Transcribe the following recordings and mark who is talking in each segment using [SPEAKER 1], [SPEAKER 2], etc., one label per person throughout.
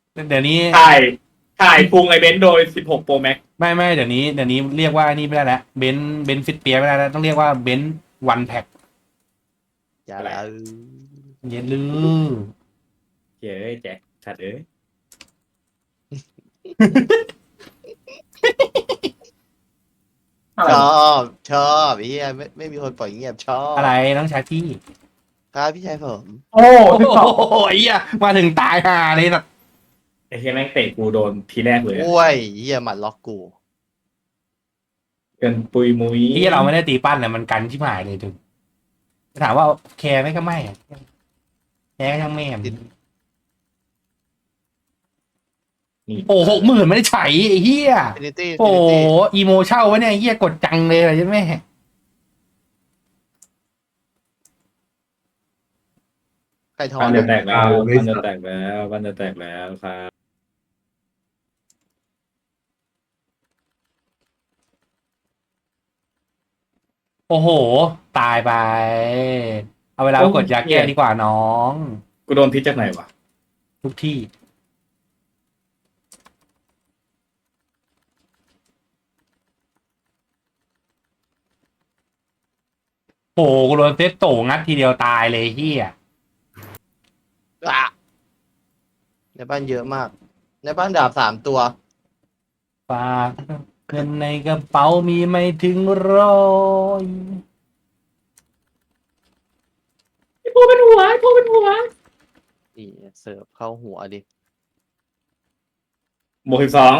[SPEAKER 1] เดี๋ยวนี้
[SPEAKER 2] ถ่ายพุงไอเบนซ์โดย16 Pro Max
[SPEAKER 1] ไม่เดี๋ยวนี้เรียกว่านี่ไม่ได้แล้วเบนซ์ฟิตเปียไม่ได้แล้วต้องเรียกว่าเบนซ์วันแพ็ค
[SPEAKER 3] อย่าละ
[SPEAKER 1] เย็นลือ
[SPEAKER 2] เย้ยแจ็คชัดเอ้ย
[SPEAKER 3] ชอบเฮียไม่มีคนปล่อยเงียบชอบ
[SPEAKER 1] อะไรน้องชายพี่
[SPEAKER 3] ครับพี่ชายผม
[SPEAKER 4] โอ้
[SPEAKER 1] โอ้
[SPEAKER 4] ที่สอง
[SPEAKER 1] โหไอ้เหี้ยมาถึงตายห่าเลยสัตว์
[SPEAKER 2] ไอ้เฮียแม่งเตะกูโดนทีแรกเลย
[SPEAKER 3] โอ้ยเฮียหมัดล็อกกู
[SPEAKER 2] เกินปุยมุย
[SPEAKER 1] ที่เราไม่ได้ตีปั้นเนี่ยมันกันชิบหายเลยถึงถามว่าแคร์ไหมก็ไม่อะแคร์ก็ช่างแม่มโอ้60,000ไม่ได้ใช้ไอ้เหี้ย
[SPEAKER 3] ฟินิตี้
[SPEAKER 1] โอ้อีโมเช่าวะเนี่ยไอ้เหี้ยกดจังเลยใช่ไหม
[SPEAKER 3] ใครทอ
[SPEAKER 2] บ้าน นจะแตกแล้ว
[SPEAKER 4] ไม่
[SPEAKER 2] บ้าน
[SPEAKER 4] สั
[SPEAKER 2] จะ
[SPEAKER 4] บ
[SPEAKER 2] แตกแล้วบ้านจะแตกแล้วครับ
[SPEAKER 1] โอ้โห ตายไป เอาเวลาไปกดยาแก้ดีกว่าน้อง
[SPEAKER 2] กูโดนพิษจากไหนวะ
[SPEAKER 1] ทุกที่โอ้โหกูโดนเซตโตงัดทีเดียวตายเลยเฮีย
[SPEAKER 3] อ่ะในบ้านเยอะมาก ในบ้านดาบ3 ตัว
[SPEAKER 1] ฝากเงินในกระเป๋ามีไม่ถึง100
[SPEAKER 2] ไอ้พวกเป็นหัวไอ้พวกเป็นหัว
[SPEAKER 3] นี่เสิร์ฟเข้าหัวดิ
[SPEAKER 2] บวก12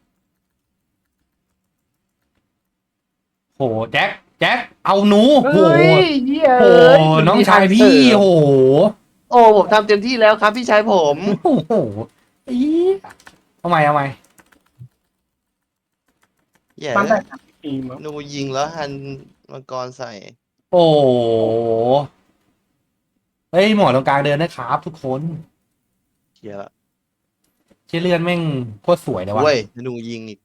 [SPEAKER 1] โหแจ็คเอาหนูโห
[SPEAKER 4] เฮ้ยเหี้ย
[SPEAKER 1] โหน้องชายพี่โห
[SPEAKER 3] โอ้ผมทำเต็มที่แล้วครับพี่ชายผม
[SPEAKER 1] โอ้โหอีเอาใหม่
[SPEAKER 3] แย่
[SPEAKER 4] มัน
[SPEAKER 3] เล
[SPEAKER 4] แต่
[SPEAKER 3] ย
[SPEAKER 4] ทีมอะ
[SPEAKER 3] นูยิงแล้วฮันมังกรใส่
[SPEAKER 1] โอ้โหเฮ้ยหมอตรงกลางเดินนะครับทุกคน
[SPEAKER 3] เฮียละ
[SPEAKER 1] เชี่ยเลือนแม่งโคตรสวยเลยว่ะ
[SPEAKER 3] เว้ยนูยิงอีก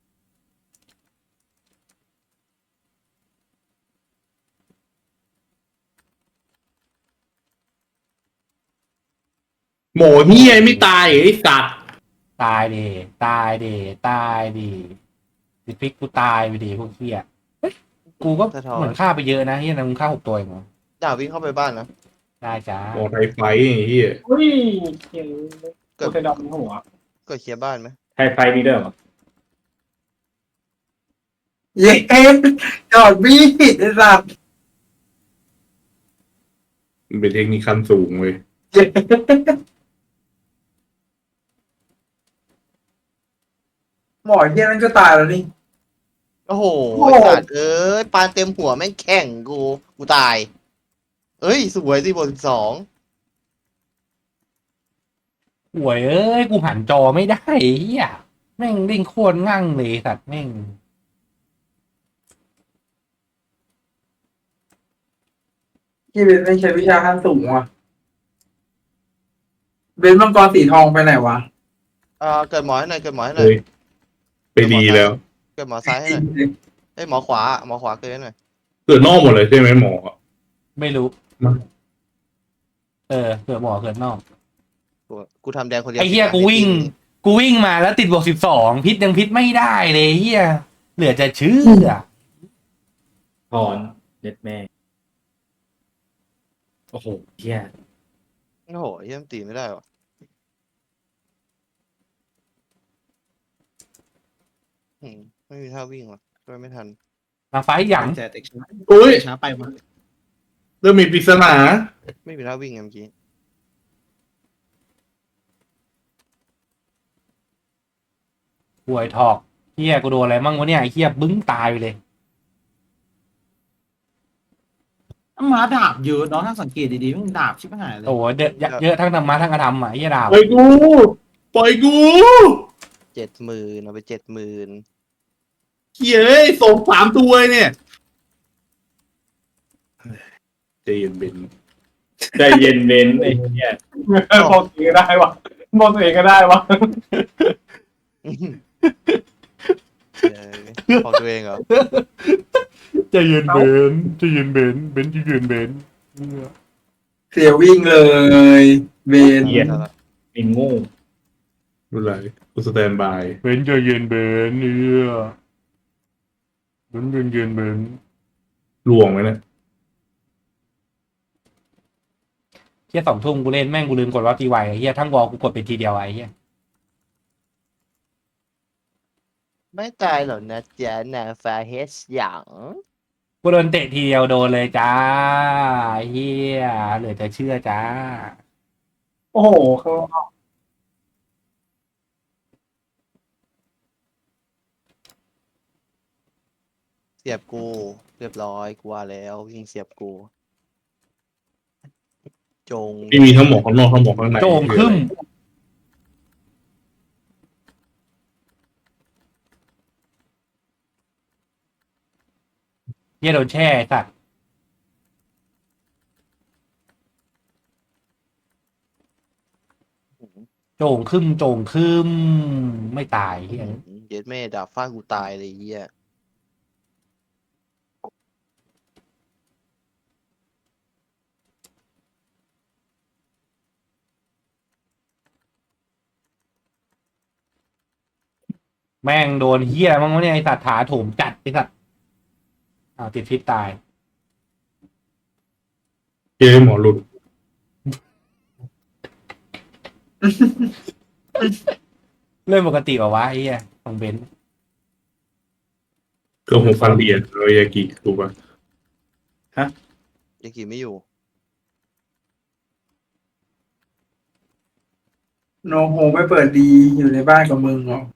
[SPEAKER 2] หมูเฮียไม่ตายไอ้สัตว์
[SPEAKER 1] ตายดิตายดิสิพลิกกูตายไปดิพวกเฮียเฮ้ยกูก็เหมือนฆ่าไปเยอะนะเฮียนะมึงฆ่า6 ตัวเองเหรอ
[SPEAKER 3] ดาบวิ่งเข้าไปบ้านนะ
[SPEAKER 1] ได้จ้า
[SPEAKER 2] โอ้ไทยไฟไอ้เฮีย
[SPEAKER 4] อุ้ยเขียนโคเทดอมหัว
[SPEAKER 3] ก็เคลียร์บ้านไหม
[SPEAKER 2] ไทยไฟมีเด้อเหรอ
[SPEAKER 4] เย้จอดบี้ไอ้สัตว์
[SPEAKER 2] มันเป็นเทคนิคขั้นสูงเว้ย
[SPEAKER 4] หมอเหี้ยนั่นก็ตายแล้วนี่
[SPEAKER 3] โอ้โห
[SPEAKER 4] โอ้
[SPEAKER 3] ไอ้สัตว์เอ้ยปานเต็มหัวแม่งแข่งกูตาย เอ้ยสวยสิบวก12
[SPEAKER 1] ห่วยเอ้ยกูหันจอไม่ได้เฮียแม่งเล่นโคตรงั่งเลยสัตว์แม่ง
[SPEAKER 4] ที่เบนไม่ใช่วิชาขั้นสูงว่ะเบนมังกรสีทองไปไหนวะ
[SPEAKER 3] เกิดหมอให้หน่อยเกิดหมอให้หน่อ
[SPEAKER 2] เฮ้
[SPEAKER 3] ย
[SPEAKER 2] ยไปดีแล้ว
[SPEAKER 3] เกิดหมอซ้ายให้หน่อยเอ้ยหมอขวาเกิดให้หน่อย
[SPEAKER 2] เกิดนอกหมดเลยใช่ไหมหมอ
[SPEAKER 1] ไม่รู้
[SPEAKER 2] มา
[SPEAKER 1] เเกิดหมอเกิดนอก
[SPEAKER 3] กูทำแดงคนเดียว
[SPEAKER 1] ไอ้เฮียกูวิ่งมาแล้วติดบวก12พิษยังพิษไม่ได้เลยเฮียเหลือจะเชื่อ
[SPEAKER 2] ถอนเด็ดแม่โอ้โหเฮีย
[SPEAKER 3] โอ้โหเยี่ยมตีไม่ได้หรอไม่มีท่าวิ่งว่ะช่วยไม่ทัน
[SPEAKER 1] มาไฟหยัง
[SPEAKER 5] แต่เด็กช้า
[SPEAKER 2] อุ้ย
[SPEAKER 5] ช้าไปมา
[SPEAKER 2] เริ่มมีปริศนา
[SPEAKER 3] ไม่มีท่าวิ่งไงเมื่อกี้
[SPEAKER 1] ห่วยถอกเฮียกูโดนอะไรมั่งวะเนี่ยไอ้เฮียบึ้งตายไปเลย
[SPEAKER 5] มาดาบเยอะเนาะถ้าสังเกตดีๆมันดาบชิบหายเลย
[SPEAKER 1] โอ้โหเยอะทั้งธรรมะทั้งอธรรมอ่ะไอ้เฮียดาว
[SPEAKER 2] ปล่อยกูปล่อยกู
[SPEAKER 3] 70,000เอาไป70,000
[SPEAKER 2] เฮียเอ้ยส่ง3 ตัวเนี่ยใจเย็นเบนใจเย็นเบนไอ้เฮีย
[SPEAKER 4] บอกตัวเองก็ได้วะบอกตัวเองก็ได้วะ
[SPEAKER 3] พอตัวเองเหรอ
[SPEAKER 1] ใจเย็นเบนใจเย็นเบนใจเย็นเบน
[SPEAKER 4] เสียวิ่งเลยเบน
[SPEAKER 2] เหี้ย เป็นโง่ไม่เป็นไรกูสแตนบาย
[SPEAKER 1] เบนใจเย็นเบนเบนเย็นเบน
[SPEAKER 2] ลวงไหมเนี่ย
[SPEAKER 1] เฮีย2 ทุ่มกูเล่นแม่งกูลืมกดวอลตีไวไอ้เฮียทั้งวอลกูกดเป็นทีเดียวไอ้เฮีย
[SPEAKER 3] ไม่ตายหรอกนะจ๊ะนางฟ้าเฮสหยาง
[SPEAKER 1] กูโดนเตะทีเดียวโดนเลยจ้าไอ้เฮียเหลือจะเชื่อจ้า
[SPEAKER 4] โอ้โหเขา
[SPEAKER 3] เสียบกูเรียบร้อยกูว่าแล้วยิงเสียบกูจง
[SPEAKER 2] ที่มีทั้งหมอกข้างนอกทั้งหมอกข้างใน
[SPEAKER 1] โจงขึ้นเฮียโดนแช่ไอ้สัตว์โจงขึ้นไม่ตายเฮีย
[SPEAKER 3] เย็ดแม่ดาบฟาดกูตายเลยเฮีย
[SPEAKER 1] แม่งโดนเฮียมั้งวะเนี่ยไอสัตว์ถาโถมจัดไอสัตว์ติดพิษตาย
[SPEAKER 2] เจ๊หมอหลุด
[SPEAKER 1] เรื่องปกติเหรอวะไอ้เฮียของเบนซ์
[SPEAKER 2] เกือบ6,000 เหรียญเรายากิถูกป่ะ
[SPEAKER 3] ยังกี่ไม่อยู่
[SPEAKER 4] โนโฮไม่เปิดดีอยู่ในบ้านกับมึงเหรอ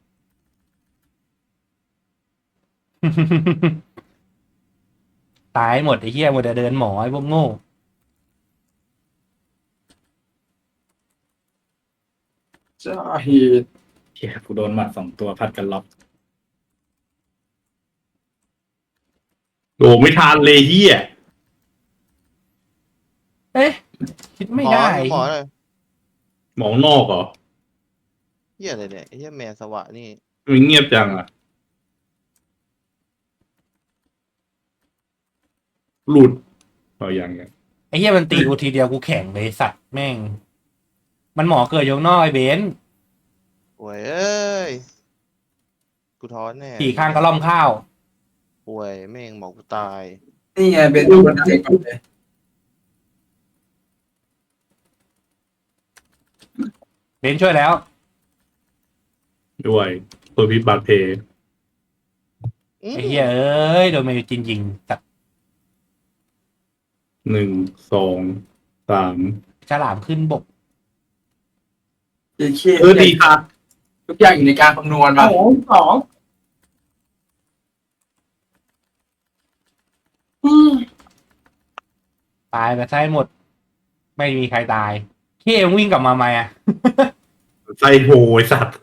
[SPEAKER 1] ตายหมดไอ้เฮียหมดแต่เดินหมอไอ้พวกโง่
[SPEAKER 4] จ้าเหตุ
[SPEAKER 6] เฮียกูโดนหมัด2 ตัวพัดกันล็อก
[SPEAKER 2] โอ้ไม่ทันเลยเฮีย
[SPEAKER 1] เอ๊ะคิดไม่ได้
[SPEAKER 3] หมอเลย
[SPEAKER 2] หมองนอกเหรอ
[SPEAKER 3] เฮียอะไรเนี่ยไอ้เฮียแมนสวะนี่
[SPEAKER 2] มันเงียบจังอ่ะ หลุดเอาอย่างเงี้ย
[SPEAKER 1] ไอ้เฮียมันตีกูทีเดียวกูแข่งเลยสัตว์แม่ง มันหมอเกิดอยู่ข้างนอกไอ้เบนซ์
[SPEAKER 3] ป่วยเอ้ยกูท้อนแน่
[SPEAKER 1] ขี่ข้างกระล่อมข้าว
[SPEAKER 3] ป่วยแม่งบอกกูตาย
[SPEAKER 4] นี่ไงเป็นตัวไหนก่อนเลย
[SPEAKER 1] เบนซ์ช่วยแล้ว
[SPEAKER 2] ด้วยตัวพิษบาดเพ
[SPEAKER 1] ไอ้เฮียเอ้ยโดนเมจินยิงสัตว์
[SPEAKER 2] 1 2 3
[SPEAKER 1] ฉลามขึ้นบก
[SPEAKER 4] เจ๊เชี่ยดีครับทุกอย่างอยู่ในการคำนวณมาสอง
[SPEAKER 1] ตายไปใช่หมด ไม่มีใครตายเขี้ยวิ่งกลับมาไหมอ่ะ
[SPEAKER 2] ไส้โหยสัตว์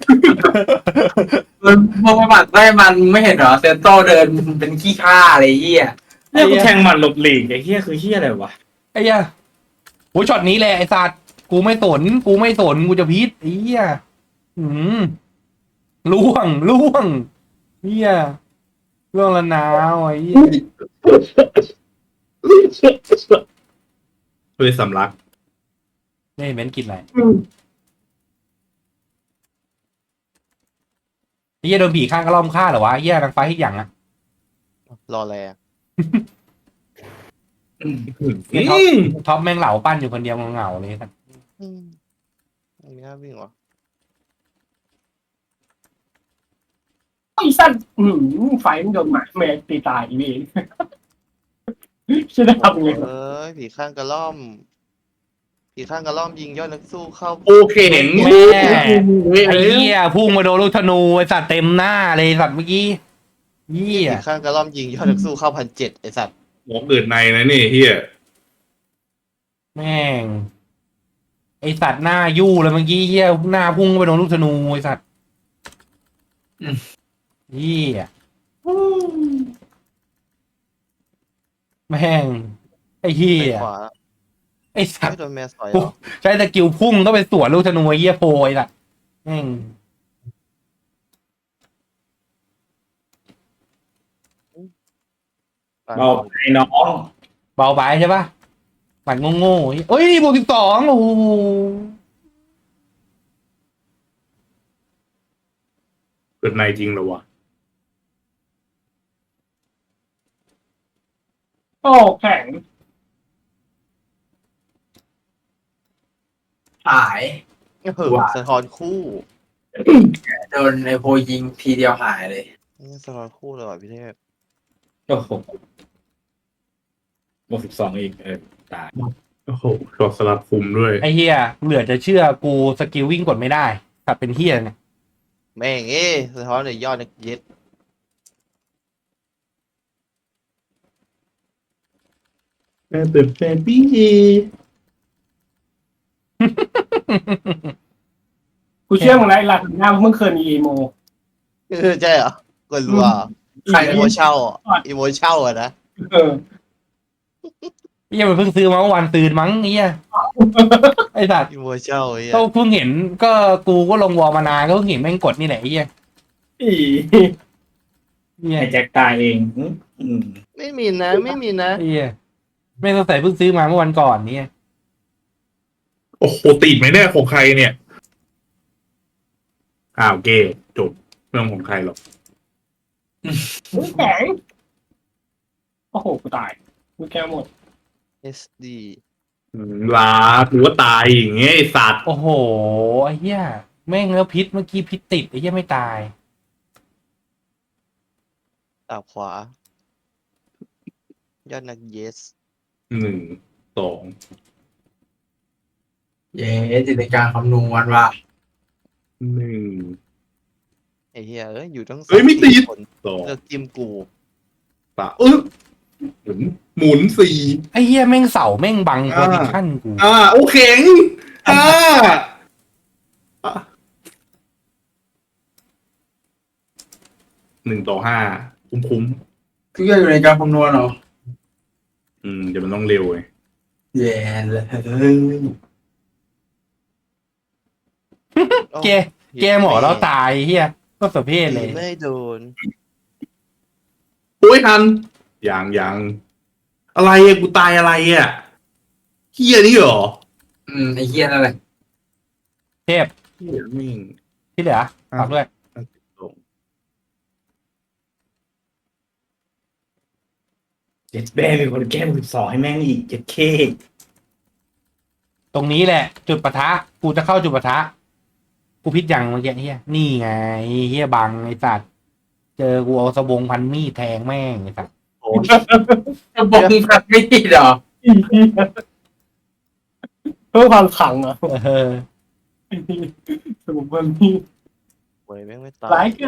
[SPEAKER 4] มันพอประวัติได้มันไม่เห็นเหรอเซนโตเดินเป็นขี้ข้าอะไรเหี้ย
[SPEAKER 6] เนี่ยกูแทงหมัดหลบหลีกไอ้เฮียคือเฮียอะไรวะ
[SPEAKER 1] ไอ้เหี้ยโหช็อตนี้แหละไอ้สัตว์กูไม่สนกูจะพีทไอ้เหี้ยอืมล่วงเหี้ยล่วงละนาวไอ้เหี้ย
[SPEAKER 2] เลยสำลัก
[SPEAKER 1] นี่เม้นกินอะไรไอ้เหี้ยโดนผีข้างกระล่อมฆ่าเหรอวะไอ้เหี้ยนางฟ้าที่อย่างอ่ะ
[SPEAKER 3] รอแล
[SPEAKER 1] ไอ้ท็อปแม่งเหล่าปั้นอยู่คนเดียวเหงาๆเลยสัตว์
[SPEAKER 3] ไม่น่าวิ่งวะ
[SPEAKER 7] ไอ้สั้นไฟมันโดนหมาแมวตีตายอีเวนจะได้ทำไง
[SPEAKER 3] เอ้ยผีข้างกระล่อมผีข้างกระล่อมยิงยอดนักสู้เข้า
[SPEAKER 2] โอเคเห็น
[SPEAKER 1] แม่ไอ้เหี้ยพุ่งมาโดนลูกธนูไอ้สัตว์เต็มหน้าเลยสัตว์เมื่อกี้เหี้ย
[SPEAKER 3] ผีข้างกระล่อมยิงยอดนักสู้เข้า1,700ไอสัตว์
[SPEAKER 2] หมอเกิดในนะนี่เฮีย
[SPEAKER 1] แม่งไอสัตว์หน้ายู่เลยเมื่อกี้เหี้ยหน้าพุ่งไปโดนลูกธนูไอสัตว์เหี้ยแม่งไอ้เหี้
[SPEAKER 3] ไป
[SPEAKER 1] ย
[SPEAKER 3] ขวา
[SPEAKER 1] ไอ้สัต
[SPEAKER 3] ไม่
[SPEAKER 1] ว์
[SPEAKER 3] โดนแมวสอยเหรอ
[SPEAKER 1] ใช้สกิลพุ่งต้องไปสวนลูกธนูไอ้เหี้ยโพยล่ะแม่ง
[SPEAKER 6] เบาไอ้น้อง
[SPEAKER 1] เบาไปใช่ปะหมัดโง่ๆเอ้ยบวก12โอ้โห
[SPEAKER 2] ปิดไมค์จริงเหรอวะ
[SPEAKER 7] โอ้แข็ง
[SPEAKER 4] หาย
[SPEAKER 3] เฮ้ยสะท้อนคู่
[SPEAKER 4] โดนไอโพยิงทีเดียวหายเลย
[SPEAKER 3] สะท้อนคู่เลยว่ะพี่เทพ
[SPEAKER 6] โอ้โหบวก12อีกตาย
[SPEAKER 2] โอ้โหช็อตสลับคุมด้วย
[SPEAKER 1] ไอ้เฮียเหลือจะเชื่อกูสกิลวิ่งกดไม่ได้กลับเป็นเฮียเนี่ย
[SPEAKER 3] แม่งสะท้อนเลยยอดนักเย็ด
[SPEAKER 2] แม่เปิดแฟนพี่
[SPEAKER 7] กูเชื่อมึงนะไอ้หลักหน้ามึงเคยมีอีโม
[SPEAKER 3] ใช่เหรอคนรัว
[SPEAKER 4] ใคร
[SPEAKER 3] อีโมเช่าอีโมเช่าอะนะ
[SPEAKER 7] เออ
[SPEAKER 1] เฮียมันเพิ่งซื้อมาเมื่อวันตื่นมั้งเฮียไอ้สัตว์
[SPEAKER 3] อีโมเช่าไอ้เหี้ย
[SPEAKER 1] ก็เพิ่งเห็นก็กูก็ลงวอลมานานก็เพิ่งเห็นแม่งกดนี่แหละไอ้เฮีย
[SPEAKER 6] อี
[SPEAKER 1] เฮีย
[SPEAKER 6] ไอ้แจ็คตายเองม
[SPEAKER 3] ไม่มีนะไม่มีนะ
[SPEAKER 1] ไอ้เฮียไม่ต้องใส่เพิ่งซื้อมาเมื่อวันก่อนเนี่ย
[SPEAKER 2] โอ้โหติดไหมเนี่ยของใครเนี่ยอ้าวเก้จบเรื่องของใครหรอก
[SPEAKER 7] แข็งโอ้โหกูตายกูแก้หมด
[SPEAKER 3] SD
[SPEAKER 2] ลาถือว่าตายอย่างเงี้ยไอสัตว์
[SPEAKER 1] โอ้โหไอ้เฮียแม่งแล้วพิษเมื่อกี้พิษติดไอ้เฮียไม่ตาย
[SPEAKER 3] ตาขวา ยอดนักเยส
[SPEAKER 2] 1 2
[SPEAKER 4] เย้จิตในการคำนวณว่า
[SPEAKER 2] 1
[SPEAKER 3] ไอ้เหี้ยอยู่ทั้ง
[SPEAKER 2] เฮ้ยไม่ติด
[SPEAKER 3] คน
[SPEAKER 2] 2
[SPEAKER 3] เลือกจิ้มกู
[SPEAKER 2] 3หมุน4
[SPEAKER 1] ไอ้เฮียแม่งเสาแม่งบังโพซิชั่นกู
[SPEAKER 2] โอเคงอ่า1-5คุ้ม
[SPEAKER 4] ทุกอย่างอยู่ในการคำนวณเหรอ
[SPEAKER 2] เดี๋ยวมันต้องเร็วไง
[SPEAKER 4] แย่เลย
[SPEAKER 1] เกหมอแล้วตายเฮียก็สะเพศเลย
[SPEAKER 3] ไม่โดน
[SPEAKER 2] โอ้ยทันยังอะไรอะกูตายอะไรอะเฮียนี่เหรอ
[SPEAKER 4] ไอเฮียนั่นแหละ
[SPEAKER 1] เทพ
[SPEAKER 2] เฮียมิ่ง
[SPEAKER 1] ที่เหลือฝากด้วย
[SPEAKER 6] เจ็ดแม่เป็นคนแก้12ให้แม่งอีก7K
[SPEAKER 1] ตรงนี้แหละ จุดปะทะกูจะเข้าจุดปะทะกูพิษยังเมื่อกี้เฮียนี่ไงเฮียบังไอ้สัตว์เจอกูเอาสบงพันมีดแทงแม่งไอ้สัตว์
[SPEAKER 3] โอ้ย
[SPEAKER 4] จะบอกมึงพัดไม่ติดเหรอ
[SPEAKER 7] อีเหี้ยเพิ่มความขังเหรอ
[SPEAKER 1] เออ
[SPEAKER 7] สมุนไพรนี่
[SPEAKER 3] โวยแม่งไม่ตา
[SPEAKER 7] หลาย
[SPEAKER 3] ย
[SPEAKER 7] การ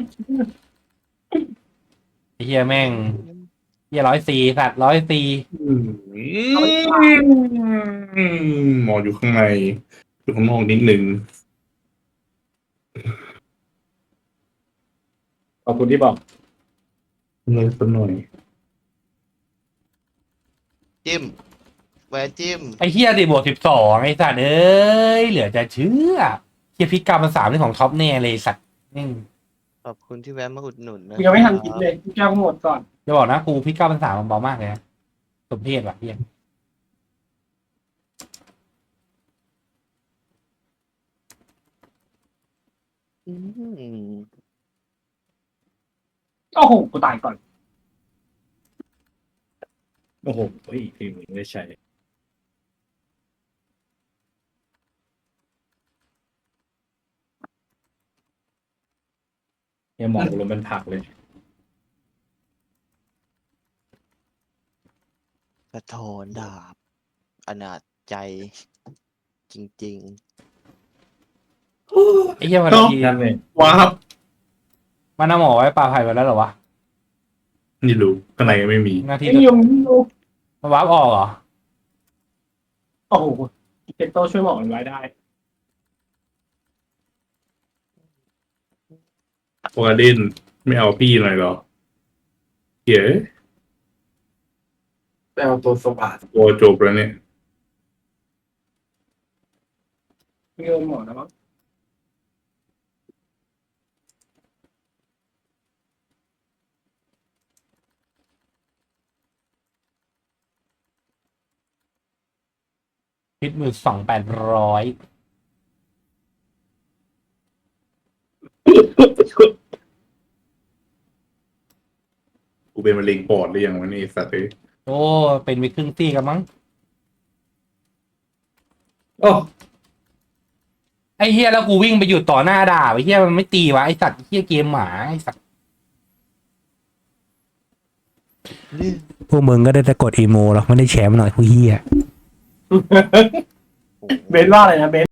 [SPEAKER 1] ไอ้เฮียแม่งเฮีย104สัตว์104
[SPEAKER 2] หมออยู่ข้างในอยู่ข้างนอกนิดนึง
[SPEAKER 6] ขอบคุณที่บอก
[SPEAKER 2] เลยสักหน่อย
[SPEAKER 3] จิ้มแหวนจิ้ม
[SPEAKER 1] ไอ้เฮียดิบวก12ไอ้สัตว์เอ้ยเหลือจะเชื่อเฮียพิษกรรมมัน3นี่ของท็อปแน่เลยสัตว์แม่ง
[SPEAKER 3] ขอบคุณที่แวะมาอุดหนุนนะ
[SPEAKER 7] กูยังไม่ทันกินเลยกูแก้หมดก่อน
[SPEAKER 1] จะบอกนะกูพิษกรรมมัน3มันเบามากเลยนะสมเพศว่ะเฮีย
[SPEAKER 3] อืม
[SPEAKER 7] โอ้โหกูตายก่อน
[SPEAKER 6] โอ้โหทีมนี้ไม่ได้ใช้เนี่ยหมอกูลงเป็นผักเลย
[SPEAKER 3] กระทอนดาบอนาจใจ จริง
[SPEAKER 1] ไอ้เฮียวันที
[SPEAKER 6] นั่นเลย
[SPEAKER 2] ว้าว
[SPEAKER 1] มันเอาหมอไว้ปลาไผ่ไปแล้วเหรอวะ
[SPEAKER 2] นี่รู้ข้างในไม่มี
[SPEAKER 1] หน้าที่
[SPEAKER 7] ไอ้ยงยู
[SPEAKER 1] มันวาร์ปออกเหรอ
[SPEAKER 7] โอ้โหเจโต้ช่วยหมอมันไว้ได้
[SPEAKER 2] โอกาดินไม่เอาพี่หน่อยเหรอเหี้ย
[SPEAKER 4] ไปเอาตัวสวัสด
[SPEAKER 2] โอจบแล้วเนี่ย
[SPEAKER 7] เงินหมอนะมั้ง
[SPEAKER 1] พิษมือ2800
[SPEAKER 2] เป็นมะเร็งปอดหรือยังวะนี่สัตว์เอ้ย
[SPEAKER 1] โอ้เป็นไปครึ่งตีกันมั้ง
[SPEAKER 6] โอ้
[SPEAKER 1] ไอ้เฮียแล้วกูวิ่งไปหยุดต่อหน้าด่าไอ้เฮียมันไม่ตีวะไอ้สัตว์เฮียเกมหมาไอ้สัตว์
[SPEAKER 8] พวกมึงก็ได้แต่กดอีโมหรอกไม่ได้แชมป์หน่อยพวกเฮีย
[SPEAKER 7] เบนว่าอะไรนะเบน